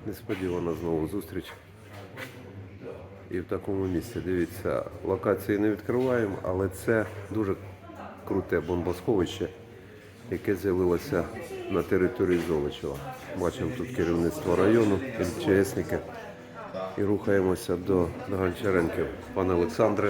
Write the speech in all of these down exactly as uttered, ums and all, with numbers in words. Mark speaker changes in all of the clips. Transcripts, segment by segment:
Speaker 1: Несподівана знову зустріч. І в такому місці, дивіться, локації не відкриваємо, але це дуже круте бомбосховище, яке з'явилося на території Золочева. Бачимо тут керівництво району, МЧСники. І рухаємося до, до Гончаренків. Пане Олександре,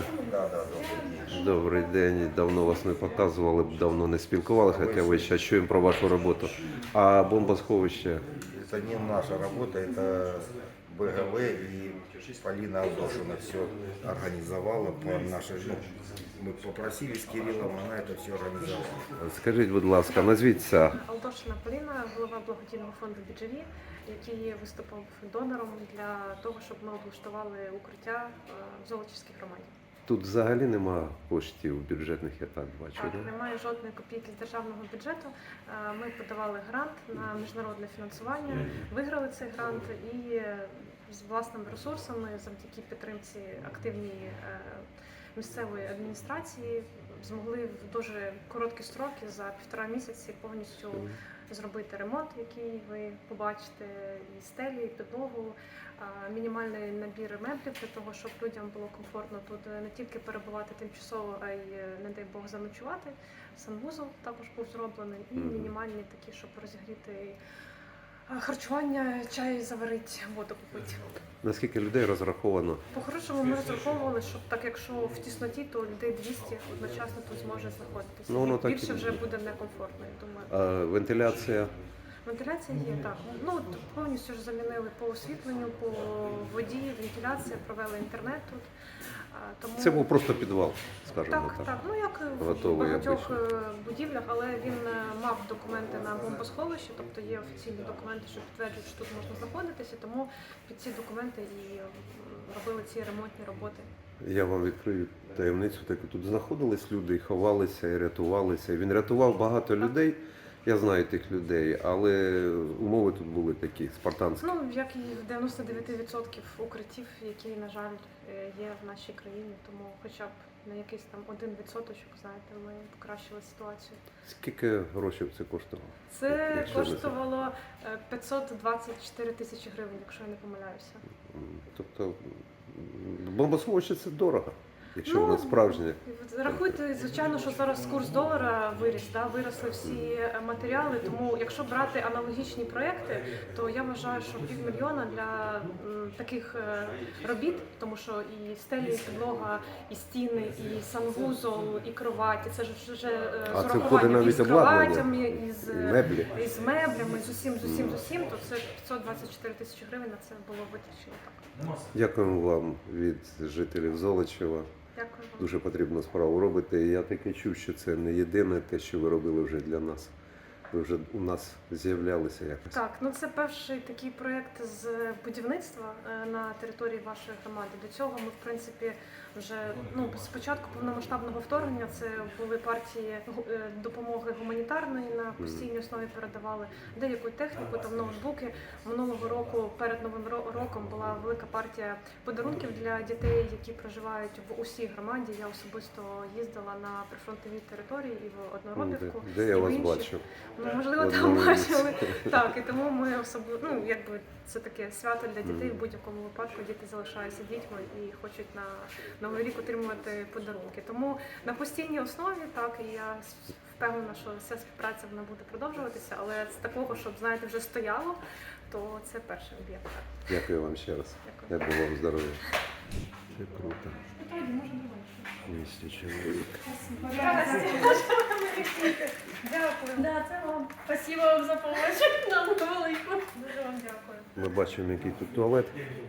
Speaker 1: добрий день. Давно вас не показували, давно не спілкувалися, хоча ви ще чуємо про вашу роботу. А бомбосховище?
Speaker 2: Это не наша работа, это БГВ, и Полина Алдошина все организовала по нашей, ну, мы попросили с Кириллом, она это все организовала.
Speaker 1: Скажіть, будь ласка, назвіться.
Speaker 3: Алдошина Поліна, голова благодійного фонду «Бі Джі Ві», який виступав донором для того, щоб ми облаштували укриття в Золочівській громаді.
Speaker 1: Тут взагалі нема коштів бюджетних, я так бачу,
Speaker 3: Так,
Speaker 1: да?
Speaker 3: немає жодної копійки з державного бюджету. Ми подавали грант на міжнародне фінансування, виграли цей грант і з власними ресурсами, завдяки підтримці активній місцевої адміністрації, змогли в дуже короткі строки, за півтора місяці, повністю зробити ремонт, який ви побачите, і стелі, і підлогу, мінімальний набір меблів для того, щоб людям було комфортно тут не тільки перебувати тимчасово, а й, не дай Бог, заночувати. Санвузол також був зроблений, і мінімальні такі, щоб розігріти харчування, чай заварити, воду купити.
Speaker 1: Наскільки людей розраховано?
Speaker 3: По-хорошому ми розраховували, щоб так, якщо в тісноті, то людей двісті одночасно тут зможе знаходитися.
Speaker 1: Ну, воно так
Speaker 3: більше
Speaker 1: і
Speaker 3: вже
Speaker 1: буде.
Speaker 3: буде некомфортно, я думаю.
Speaker 1: А вентиляція?
Speaker 3: Вентиляція є, так. Ну, от повністю ж замінили по освітленню, по воді, вентиляція, провели інтернет тут. А, Тому...
Speaker 1: Це був просто підвал, скажімо
Speaker 3: Так,
Speaker 1: так.
Speaker 3: так. Ну, як в
Speaker 1: Готовий
Speaker 3: багатьох
Speaker 1: обично.
Speaker 3: е, будівлях, але він е, мав документи на бомбосховище, тобто є офіційні документи, що підтверджують, що тут можна знаходитися, тому під ці документи і м, робили ці ремонтні роботи.
Speaker 1: Я вам відкрию таємницю, так тут знаходились люди, і ховалися, і рятувалися. Він рятував багато людей, я знаю тих людей, але умови тут були такі, спартанські.
Speaker 3: Ну, як і в дев'яносто дев'ять відсотків укриттів, які, на жаль, е, є в нашій країні, тому хоча б на якийсь там один відсоточок, знаєте, ми покращили ситуацію.
Speaker 1: Скільки грошей це коштувало?
Speaker 3: Це
Speaker 1: Якщо не
Speaker 3: коштувало е, п'ятсот двадцять чотири тисячі гривень, якщо я не помиляюся.
Speaker 1: М, Тобто м, бомбосховище це дорого, якщо
Speaker 3: Ну,
Speaker 1: воно справжнє.
Speaker 3: Рахуйте, звичайно, що зараз курс долара виріс, да, виросли всі матеріали, тому якщо брати аналогічні проекти, то я вважаю, що півмільйона для м, таких е, робіт, тому що і стелі, і підлога, і стіни, і санвузол, і кроваті, це ж вже е,
Speaker 1: А
Speaker 3: з
Speaker 1: це входить
Speaker 3: урахуванням
Speaker 1: навіть
Speaker 3: із
Speaker 1: обладнання,
Speaker 3: кроватями, із,
Speaker 1: і меблі.
Speaker 3: із меблями, з усім, з усім, з усім, то це п'ятсот двадцять чотири тисячі гривень на це було витрачено так.
Speaker 1: Дякуємо вам від жителів Золочева.
Speaker 3: Дякую вам.
Speaker 1: Дуже потрібну справу робите. І я таке чув, що це не єдине те, що ви робили вже для нас. Ви вже у нас з'являлися якось.
Speaker 3: Так, ну це перший такий проєкт з будівництва е, на території вашої громади. До цього ми, в принципі, вже ну з початку повномасштабного вторгнення це були партії гу- е, допомоги гуманітарної на постійній основі передавали деяку техніку, там ноутбуки. Минулого року перед новим ро- роком була велика партія подарунків для дітей, які проживають в усій громаді. Я особисто їздила на прифронтові території і в Одноробівку.
Speaker 1: Де, де я
Speaker 3: і в
Speaker 1: вас
Speaker 3: інші.
Speaker 1: бачив?
Speaker 3: Ну, можливо,
Speaker 1: В
Speaker 3: там
Speaker 1: одному місці.
Speaker 3: бачили. Так, і тому ми особливо, ну якби це таке свято для дітей. В будь-якому випадку діти залишаються дітьми і хочуть на Новий рік отримувати подарунки. Тому на постійній основі, так, і я с- впевнена, що вся співпраця вона буде продовжуватися, але з такого, щоб, знаєте, вже стояло, то це перший об'єкт. так.
Speaker 1: Дякую вам ще раз.
Speaker 3: Дякую.
Speaker 1: Дай Бог вам здоров'я. Це круто. двісті чоловік.
Speaker 3: Дякую.
Speaker 4: Да, це вам. Спасибо вам за помощь. Нам велику.
Speaker 3: Дуже вам дякую.
Speaker 1: Ми бачимо, який тут туалет.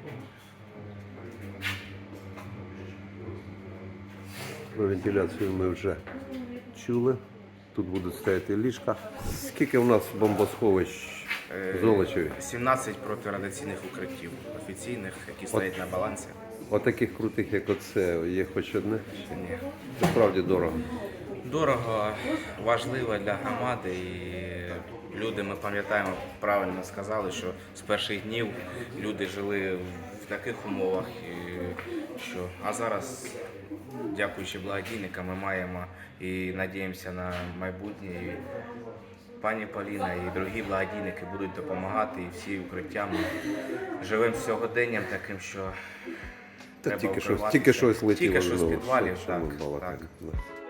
Speaker 1: Про вентиляцію ми вже чули. Тут будуть стояти ліжка. Скільки у нас бомбосховищ в Золочеві?
Speaker 2: сімнадцять протирадіаційних укриттів офіційних, які стоять на балансі.
Speaker 1: Отаких крутих, як оце, є хоч одне.
Speaker 2: Ні.
Speaker 1: Це справді дорого.
Speaker 2: Дорого, важливо для громади, і люди, ми пам'ятаємо, правильно сказали, що з перших днів люди жили в таких умовах, і що, а зараз, дякуючи благодійникам, ми маємо і надіємося на майбутнє, і пані Поліна і другі благодійники будуть допомагати, і всі укриття. Ми живемо сьогоденням таким, що
Speaker 1: Та
Speaker 2: треба
Speaker 1: тільки щось,
Speaker 2: укриватися.
Speaker 1: тільки щось летіло.
Speaker 2: Тільки що з
Speaker 1: знову,
Speaker 2: підвалів,
Speaker 1: що
Speaker 2: так,
Speaker 1: ми балакаємо.
Speaker 2: так.
Speaker 1: Да.